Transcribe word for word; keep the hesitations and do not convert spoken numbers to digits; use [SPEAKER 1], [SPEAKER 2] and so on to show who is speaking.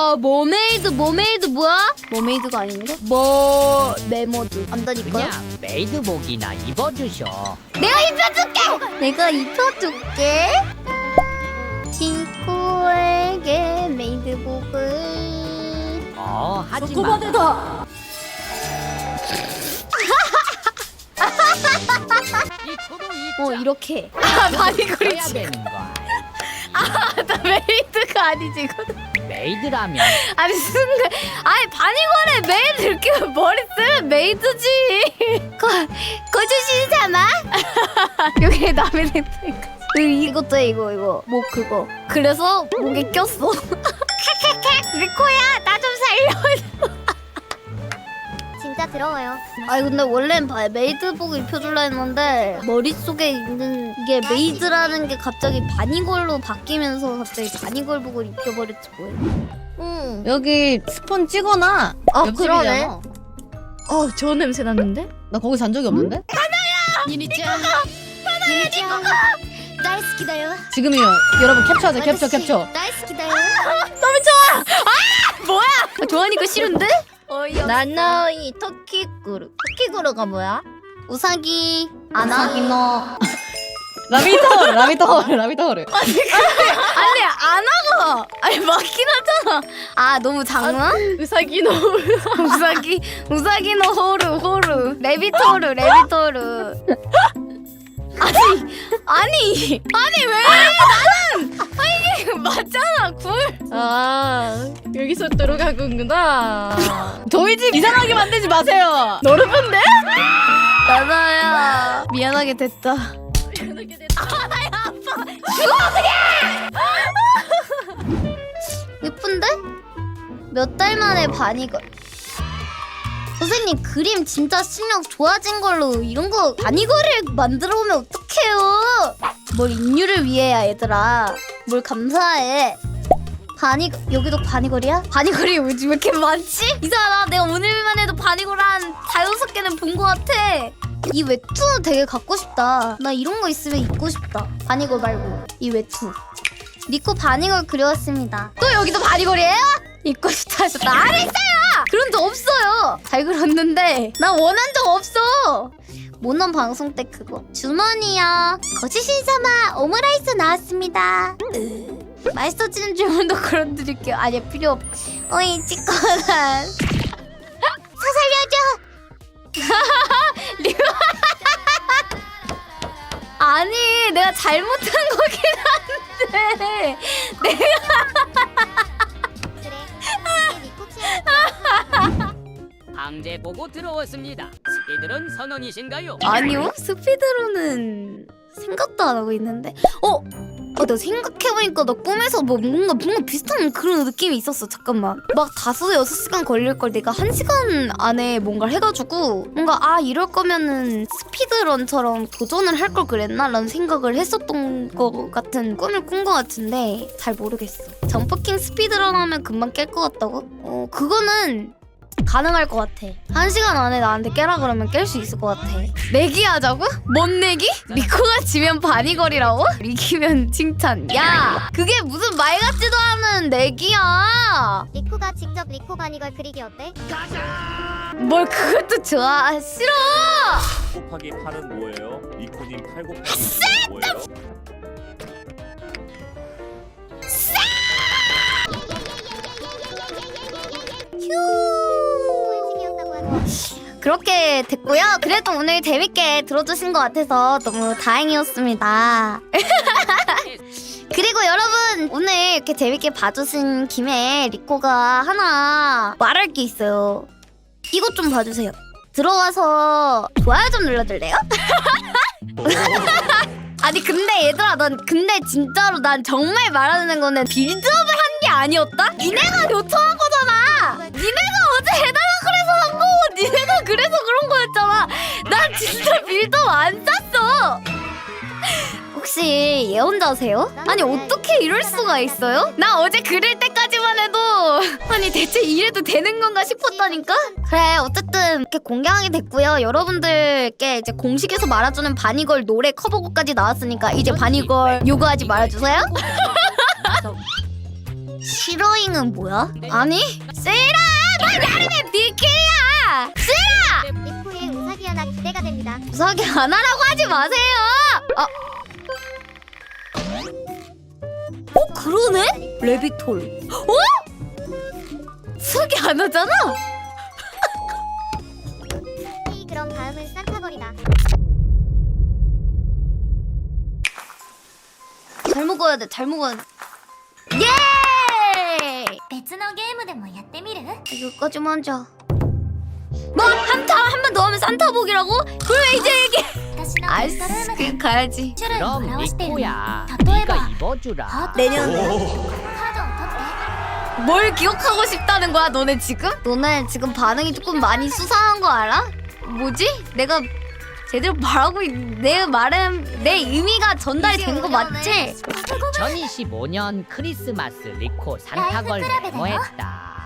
[SPEAKER 1] 와 머메이드 머메이드 뭐야? 머메이드가 아닌데? 뭐 메모드 안다니까.
[SPEAKER 2] 그냥 메이드복이나 입어주셔.
[SPEAKER 1] 내가 입혀줄게. 내가 입혀줄게. 친구에게 메이드복을.
[SPEAKER 2] 어 하지마.
[SPEAKER 1] 다. 어 이렇게. 아 바니걸이
[SPEAKER 2] 해야
[SPEAKER 1] 지
[SPEAKER 2] 되는 거야.
[SPEAKER 1] 아나 메이드가 아니지 이거.
[SPEAKER 2] 메이드라면
[SPEAKER 1] 아니 순간 아니 바니걸에 메이드 이렇게 머리 쓰면 메이드지. 거 거주신사마. 여기 남의 냄새가. 이것도 해, 이거 이거 목 그거. 그래서 목에 꼈어. 리코야 나 좀 살려.
[SPEAKER 3] 진짜 더러워요.
[SPEAKER 1] 아니 근데 원래는 바- 메이드복 입혀줄라 했는데 머릿속에 있는 이게 메이드라는 게 갑자기 바니걸로 바뀌면서 갑자기 바니걸복을 입혀버렸지 뭐야.
[SPEAKER 3] 응.
[SPEAKER 4] 여기 스폰 찍어놔.
[SPEAKER 1] 아
[SPEAKER 4] 옆집이잖아.
[SPEAKER 1] 그러네.
[SPEAKER 4] 어 좋은 냄새 났는데? 나 거기 잔 적이 없는데?
[SPEAKER 3] 유니짱. 유니짱. 나이스키다요.
[SPEAKER 4] 지금이요. 여러분 캡처하자. 캡처 캡처.
[SPEAKER 3] 나이스키다요.
[SPEAKER 1] 뭐야? 아, 좋아하니까 싫은데?
[SPEAKER 4] 나나이 토끼꾸루. 토끼꾸루가 뭐야?
[SPEAKER 1] 우사기 아나.
[SPEAKER 4] 아나기노. 라비터호르 라비터호르 라비터호르.
[SPEAKER 1] 아니 아나가 아니 맞긴 하잖아. 아 너무 작나?
[SPEAKER 4] 우사기노.
[SPEAKER 1] 우사기 우사기노 호루 호루 레비토르 레비토르. 아니 아니 아니 왜 나는 아니 이게 맞잖아 굴.
[SPEAKER 4] 아 여기서 들어가군구나. 저희 집 이상하게 만들지 마세요. 너르분데?
[SPEAKER 1] 나나야 미안하게 됐다. 예쁜데? 몇 달 만에 바니걸. 선생님 그림 진짜 실력 좋아진 걸로 이런 거 바니걸을 만들어 오면 어떡해요? 뭘 인류를 위해야 얘들아. 뭘 감사해. 바니 여기도 바니걸이야? 바니걸이 왜 이렇게 많지? 이상하다. 내가 오늘만 해도 바니걸 한 다여섯 개는 본 것 같아. 이 외투 되게 갖고 싶다. 나 이런 거 있으면 입고 싶다. 바니걸 말고 이 외투. 니코 바니걸 그려왔습니다. 또 여기도 바니걸이에요? 입고 싶다 하셨다. 안 했어요! 그런 적 없어요. 잘 그렸는데 나 원한 적 없어. 모넌 방송 때 그거 주머니요. 거치신사마 오므라이스 나왔습니다. 으, 맛있어지는 주문도 걸어드릴게요. 아니야 필요 없. 어이 찌꺼난 사살려줘. 리오. 아니 내가 잘못한 거긴 한데 내가
[SPEAKER 3] 그래. 이게 니코 취향이다.
[SPEAKER 2] 강제 보고 들어왔습니다. 스피드런 선언이신가요?
[SPEAKER 1] 아니요 스피드로는 생각도 안 하고 있는데 어? 아, 나 생각해보니까 나 꿈에서 뭐 뭔가 뭔가 비슷한 그런 느낌이 있었어. 잠깐만 막 다섯 여섯 시간 걸릴 걸 내가 한 시간 안에 뭔가를 해가지고 뭔가 아 이럴 거면은 스피드런처럼 도전을 할 걸 그랬나? 라는 생각을 했었던 거 같은 꿈을 꾼 거 같은데 잘 모르겠어. 점퍼킹 스피드런 하면 금방 깰 것 같다고? 어 그거는 가능할 것 같아. 한 시간 안에 나한테 깨라 그러면 깰 수 있을 것 같아. 내기 하자고? 뭔 내기? 리코가 지면 바니걸이라고? 이기면 칭찬. 야 그게 무슨 말 같지도 않은 내기야.
[SPEAKER 3] 니코가 직접 리코 바니걸 그리기 어때?
[SPEAKER 1] 뭘 그것도 좋아. 싫어.
[SPEAKER 5] 곱하기 팔은 뭐예요? 니코님 팔 곱하기 뭐예요?
[SPEAKER 3] 꿀식이었다고 하죠.
[SPEAKER 1] 그렇게 됐고요. 그래도 오늘 재밌게 들어주신 것 같아서 너무 다행이었습니다. 그리고 여러분 오늘 이렇게 재밌게 봐주신 김에 리코가 하나 말할 게 있어요. 이것 좀 봐주세요. 들어와서 좋아요 좀 눌러줄래요? 아니 근데 얘들아 난 근데 진짜로 난 정말 말하는 거는 빌드업을 한 게 아니었다? 니네가 요청한 거잖아. 니네가 어제 해달라 그래서 한 거고 니네가 그래서 그런 거였잖아. 난 진짜 빌드업 안 짰어. 혹시 예언자세요? 아니 어떻게 이럴 수가 있어요? 나 어제 그릴 때까지만 해도 아니 대체 이래도 되는 건가 싶었다니까? 그래 어쨌든 이렇게 공개하게 됐고요. 여러분들께 이제 공식에서 말아주는 바니걸 노래 커버곡까지 나왔으니까 이제 바니걸 요구하지 말아주세요. 시러잉은 뭐야? 아니 세이라 나 나름의 니키야.
[SPEAKER 3] 리코의 우사기 하나 기대가 됩니다.
[SPEAKER 1] 우사기 안 하라고 하지 마세요. 아. 어 그러네? 레비톨. 어? 우사기 안 하잖아.
[SPEAKER 3] 이 그럼 다음은 산타걸이다.
[SPEAKER 1] 잘 먹어야 돼. 잘 먹어야 돼. 예!
[SPEAKER 3] 別のゲームでもやってみる?
[SPEAKER 1] 이거까지 먼저. 뭐 한타 한 번 더 하면 산타복이라고? 그래 이제 얘기.
[SPEAKER 3] 私の
[SPEAKER 1] 아이스 그 가야지.
[SPEAKER 2] 그럼 리코야,
[SPEAKER 3] 例え
[SPEAKER 2] 네가
[SPEAKER 3] ば
[SPEAKER 2] 입어주라.
[SPEAKER 1] 내년에
[SPEAKER 3] カードを取って
[SPEAKER 1] 뭘 기억하고 싶다는 거야 너네 지금? 너네 지금 반응이 조금 많이 수상한 거 알아? 뭐지? 내가 제대로 말하고 있... 내 말은 내 의미가 전달이 된 거 맞지?
[SPEAKER 2] 이천이십오 년 크리스마스 리코 산타걸 메모했다.